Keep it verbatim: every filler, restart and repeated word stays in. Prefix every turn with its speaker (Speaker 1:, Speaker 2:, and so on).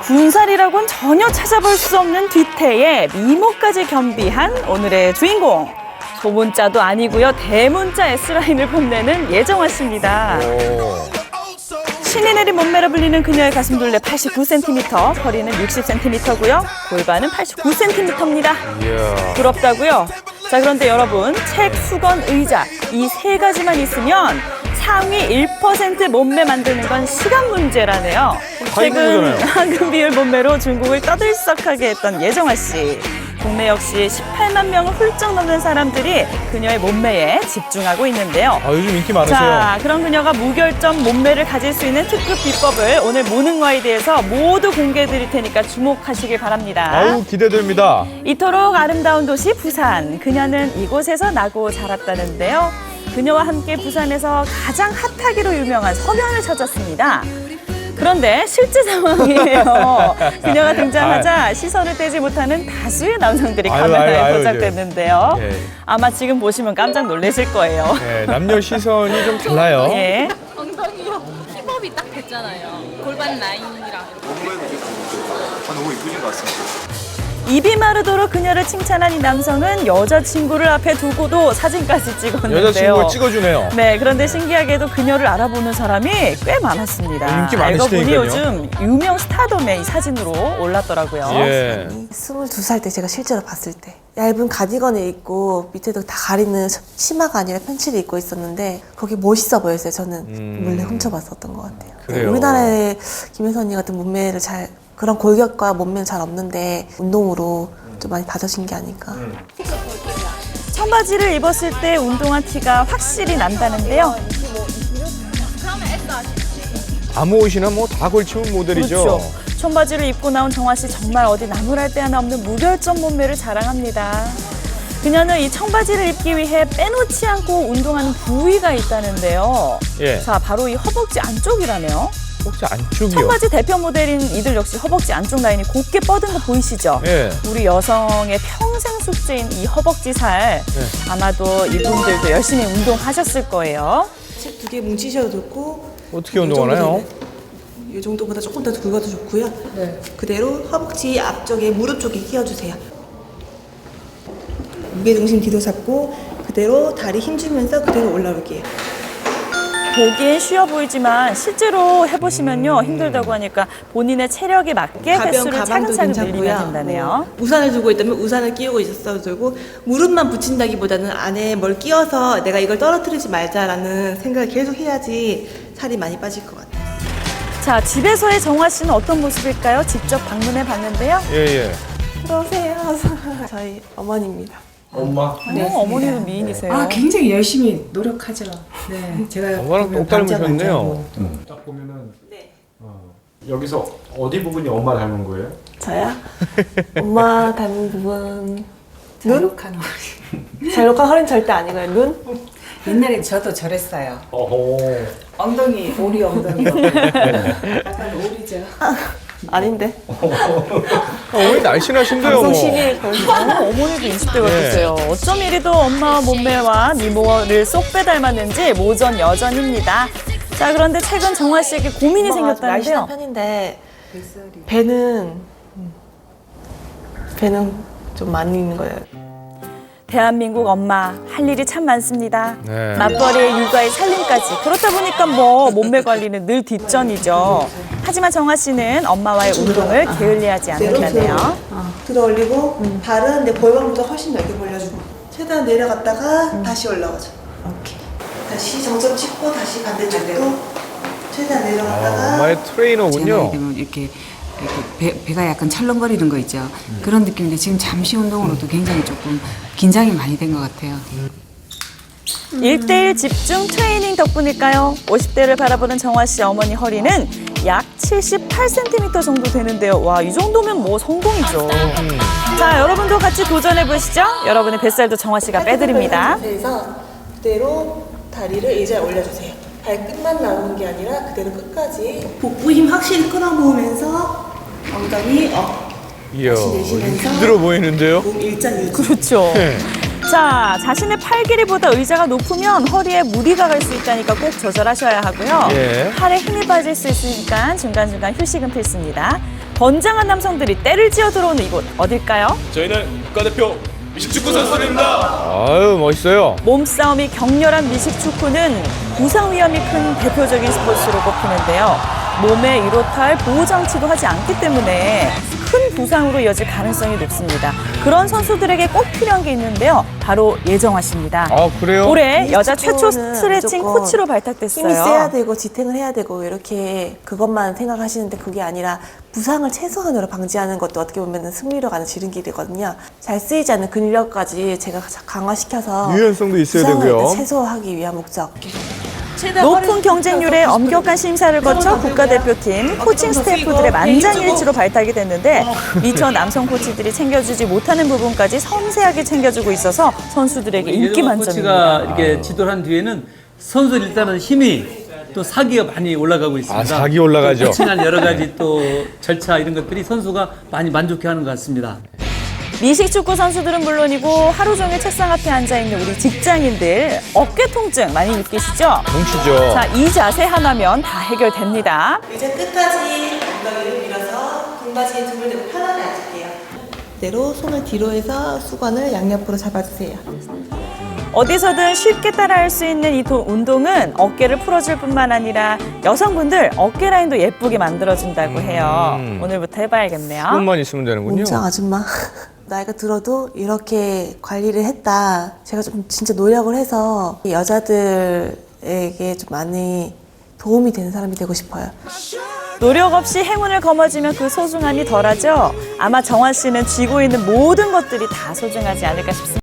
Speaker 1: 군살이라고는 전혀 찾아볼 수 없는 뒤태에 미모까지 겸비한 오늘의 주인공. 소문자도 아니고요. 대문자 S라인을 뽐내는 예정화 씨입니다. 신이 내린 몸매라 불리는 그녀의 가슴둘레 팔십구 센티미터, 허리는 육십 센티미터고요. 골반은 팔십구 센티미터입니다. 부럽다고요? 자, 그런데 여러분, 책, 수건, 의자 이 세 가지만 있으면 상위 일 퍼센트 몸매 만드는 건 시간 문제라네요. 최근 황금 비율 몸매로 중국을 떠들썩하게 했던 예정화 씨. 국내 역시 십팔만 명을 훌쩍 넘는 사람들이 그녀의 몸매에 집중하고 있는데요.
Speaker 2: 아, 요즘 인기 많으세요.
Speaker 1: 자, 그런 그녀가 무결점 몸매를 가질 수 있는 특급 비법을 오늘 모닝와에 대해서 모두 공개해 드릴 테니까 주목하시길 바랍니다.
Speaker 2: 아우, 기대됩니다.
Speaker 1: 이토록 아름다운 도시 부산. 그녀는 이곳에서 나고 자랐다는데요. 그녀와 함께 부산에서 가장 핫하기로 유명한 서면을 찾았습니다. 그런데 실제 상황이에요. 그녀가 등장하자 시선을 떼지 못하는 다수의 남성들이
Speaker 2: 아유,
Speaker 1: 카메라에
Speaker 2: 아유, 아유,
Speaker 1: 포착됐는데요.
Speaker 2: 예.
Speaker 1: 아마 지금 보시면 깜짝 놀라실 거예요.
Speaker 2: 네, 남녀 시선이 좀 달라요.
Speaker 1: 예.
Speaker 3: 엉덩이요. 힙업이 딱 됐잖아요. 골반 라인이랑.
Speaker 4: 아, 너무 이쁘신 것 같습니다.
Speaker 1: 입이 마르도록 그녀를 칭찬한 이 남성은 여자친구를 앞에 두고도 사진까지 찍었는데요.
Speaker 2: 여자친구가 찍어주네요.
Speaker 1: 네, 그런데 신기하게도 그녀를 알아보는 사람이 꽤 많았습니다.
Speaker 2: 인기
Speaker 1: 알고 보니
Speaker 2: 많으시다니까요.
Speaker 1: 요즘 유명 스타덤에 이 사진으로 올랐더라고요.
Speaker 2: 예.
Speaker 5: 스물두 살 때 제가 실제로 봤을 때 얇은 가디건을 입고 밑에도 다 가리는 치마가 아니라 팬츠를 입고 있었는데 거기 멋있어 보였어요. 저는
Speaker 2: 음.
Speaker 5: 몰래 훔쳐봤었던 것 같아요.
Speaker 2: 그래요?
Speaker 5: 우리나라에 김혜선 언니 같은 몸매를 잘 그런 골격과 몸매는 잘 없는데 운동으로 좀 많이 다져진 게 아닐까.
Speaker 1: 청바지를 입었을 때 운동화 티가 확실히 난다는데요.
Speaker 2: 아무 옷이나 뭐 다 걸치면 모델이죠.
Speaker 1: 그렇죠. 청바지를 입고 나온 정화 씨 정말 어디 나무랄 데 하나 없는 무결점 몸매를 자랑합니다. 그녀는 이 청바지를 입기 위해 빼놓지 않고 운동하는 부위가 있다는데요.
Speaker 2: 예.
Speaker 1: 자, 바로 이 허벅지 안쪽이라네요.
Speaker 2: 혹시 안쪽이요?
Speaker 1: 청바지 대표 모델인 이들 역시 허벅지 안쪽 라인이 곱게 뻗은 거 보이시죠?
Speaker 2: 예.
Speaker 1: 우리 여성의 평생 숙제인 이 허벅지 살.
Speaker 2: 네.
Speaker 1: 아마도 이분들도 열심히 운동하셨을 거예요.
Speaker 5: 책 두 개 뭉치셔도 좋고
Speaker 2: 어떻게 운동하나요?
Speaker 5: 이 정도보다 조금 더 굵어도 좋고요. 네. 그대로 허벅지 앞쪽에 무릎 쪽에 끼워주세요. 무게중심 뒤로 잡고 그대로 다리 힘주면서 그대로 올라올게요.
Speaker 1: 보기엔 쉬워 보이지만 실제로 해보시면요 힘들다고 하니까 본인의 체력에 맞게
Speaker 5: 가벼운
Speaker 1: 횟수를
Speaker 5: 가방도
Speaker 1: 차근차근
Speaker 5: 괜찮고요.
Speaker 1: 늘리면 된다네요.
Speaker 5: 뭐 우산을 들고 있다면 우산을 끼우고 있었어도 되고 무릎만 붙인다기보다는 안에 뭘 끼워서 내가 이걸 떨어뜨리지 말자라는 생각을 계속 해야지 살이 많이 빠질 것 같아요.
Speaker 1: 자, 집에서의 정화 씨는 어떤 모습일까요? 직접 방문해 봤는데요.
Speaker 2: 예, 예.
Speaker 5: 들어오세요. 저희 어머니입니다.
Speaker 1: 어, 어머니도 미인이세요.
Speaker 6: 아, 굉장히 열심히 노력하죠. 네, 제가
Speaker 2: 엄마랑
Speaker 6: 보면
Speaker 2: 똑 닮으셨네요.
Speaker 6: 남자 남자고.
Speaker 7: 딱 보면은
Speaker 5: 네.
Speaker 7: 어, 여기서 어디 부분이 엄마 닮은 거예요?
Speaker 5: 저요? 엄마 닮은 부분 눈?
Speaker 6: 자력한 허리.
Speaker 5: 잘록한 허리는 절대 아니고요. 눈?
Speaker 6: 옛날에 저도 저랬어요.
Speaker 7: 어허.
Speaker 6: 엉덩이, 오리 엉덩이. 약간 오리죠.
Speaker 5: 아닌데.
Speaker 2: 어머니 날씬하신데요,
Speaker 5: 방송
Speaker 2: 뭐.
Speaker 5: 시비에 걸리죠.
Speaker 1: 어머니도 이십 대
Speaker 2: 네.
Speaker 1: 같으세요. 어쩜 이리도 엄마 몸매와 미모를 쏙 빼닮았는지 모전 여전입니다. 자, 그런데 최근 정화 씨에게 고민이
Speaker 5: 엄마가 좀 날씬한
Speaker 1: 생겼다는데요.
Speaker 5: 편인데 배는 배는 좀 많이 있는 거예요.
Speaker 1: 대한민국 엄마 할 일이 참 많습니다.
Speaker 2: 네.
Speaker 1: 맞벌이에 육아에 살림까지. 그렇다 보니까 뭐 몸매 관리는 늘 뒷전이죠. 하지만 정화 씨는 엄마와의 운동을 게을리하지 않는다네요.
Speaker 5: 들어 올리고 발은 내 골반보다 훨씬 넓게 벌려주고 최대한 내려갔다가 다시 올라가죠. 오케이. 다시 정점 찍고 다시 반대쪽도 최대한
Speaker 2: 아,
Speaker 5: 내려갔다가
Speaker 2: 엄마의
Speaker 6: 제
Speaker 2: 트레이너군요.
Speaker 6: 나이 되면 이렇게, 이렇게 배, 배가 약간 찰렁거리는 거 있죠. 그런 느낌인데 지금 잠시 운동으로도 굉장히 조금 긴장이 많이 된 것 같아요.
Speaker 1: 일대일 집중 트레이닝 덕분일까요? 오십 대를 바라보는 정화 씨 어머니 허리는 약 칠십팔 센티미터 정도 되는데요. 와, 이 정도면 뭐 성공이죠. 자, 여러분도 같이 도전해 보시죠. 여러분의 뱃살도 정화 씨가 빼드립니다.
Speaker 5: 그래서 그대로 다리를 의자에 올려주세요. 발끝만 나오는 게 아니라 그대로 끝까지 복부 힘 확실히 끌어모으면서 엉덩이 업
Speaker 2: 이야,
Speaker 5: 다시 내쉬면서
Speaker 2: 힘들어 보이는데요?
Speaker 5: 몸 일자 유지.
Speaker 1: 그렇죠.
Speaker 2: 네.
Speaker 1: 자, 자신의 팔 길이보다 의자가 높으면 허리에 무리가 갈 수 있다니까 꼭 조절하셔야 하고요.
Speaker 2: 예.
Speaker 1: 팔에 힘이 빠질 수 있으니까 중간중간 휴식은 필수입니다. 건장한 남성들이 때를 지어 들어오는 이곳 어딜까요?
Speaker 4: 저희는 국가대표 미식축구 선수들입니다.
Speaker 2: 아유, 멋있어요.
Speaker 1: 몸싸움이 격렬한 미식축구는 부상 위험이 큰 대표적인 스포츠로 꼽히는데요. 몸에 이로탈 보호장치도 하지 않기 때문에 큰 부상으로 이어질 가능성이 높습니다. 그런 선수들에게 꼭 필요한 게 있는데요. 바로 예정화 씨입니다.
Speaker 2: 아, 그래요?
Speaker 1: 올해 여자 최초
Speaker 5: 미식축구는
Speaker 1: 스트레칭
Speaker 5: 무조건
Speaker 1: 코치로 발탁됐어요.
Speaker 5: 힘이 세야 되고 지탱을 해야 되고 이렇게 그것만 생각하시는데 그게 아니라 부상을 최소한으로 방지하는 것도 어떻게 보면 승리로 가는 지름길이거든요. 잘 쓰이지 않는 근력까지 제가 강화시켜서
Speaker 2: 유연성도 있어야
Speaker 5: 부상을
Speaker 2: 되고요.
Speaker 5: 일단 최소화하기 위한 목적.
Speaker 1: 높은 경쟁률에 엄격한 심사를 거쳐 국가대표팀 코칭 스태프들의 만장일치로 발탁이 됐는데 미처 남성 코치들이 챙겨주지 못하는 부분까지 섬세하게 챙겨주고 있어서 선수들에게 인기
Speaker 8: 예정화
Speaker 1: 만점입니다.
Speaker 8: 코치가 이렇게 지도를 한 뒤에는 선수 일단은 힘이 또 사기가 많이 올라가고 있습니다.
Speaker 2: 아, 사기 올라가죠.
Speaker 8: 코칭한 여러 가지 또 절차 이런 것들이 선수가 많이 만족해하는 것 같습니다.
Speaker 1: 미식축구 선수들은 물론이고 하루 종일 책상 앞에 앉아있는 우리 직장인들 어깨 통증 많이 느끼시죠?
Speaker 2: 뭉치죠.
Speaker 1: 자, 이 자세 하나면 다 해결됩니다.
Speaker 5: 의자 끝까지 엉덩이를 밀어서 등받이에 등을 대고 편하게 앉을게요. 그대로 손을 뒤로 해서 수건을 양옆으로 잡아주세요.
Speaker 1: 어디서든 쉽게 따라할 수 있는 이 도- 운동은 어깨를 풀어줄 뿐만 아니라 여성분들 어깨 라인도 예쁘게 만들어준다고 해요.
Speaker 2: 음.
Speaker 1: 오늘부터 해봐야겠네요.
Speaker 2: 조금만 있으면 되는군요.
Speaker 5: 몸짱 아줌마. 나이가 들어도 이렇게 관리를 했다. 제가 좀 진짜 노력을 해서 여자들에게 좀 많이 도움이 되는 사람이 되고 싶어요.
Speaker 1: 노력 없이 행운을 거머쥐면 그 소중함이 덜하죠? 아마 정화 씨는 쥐고 있는 모든 것들이 다 소중하지 않을까 싶습니다.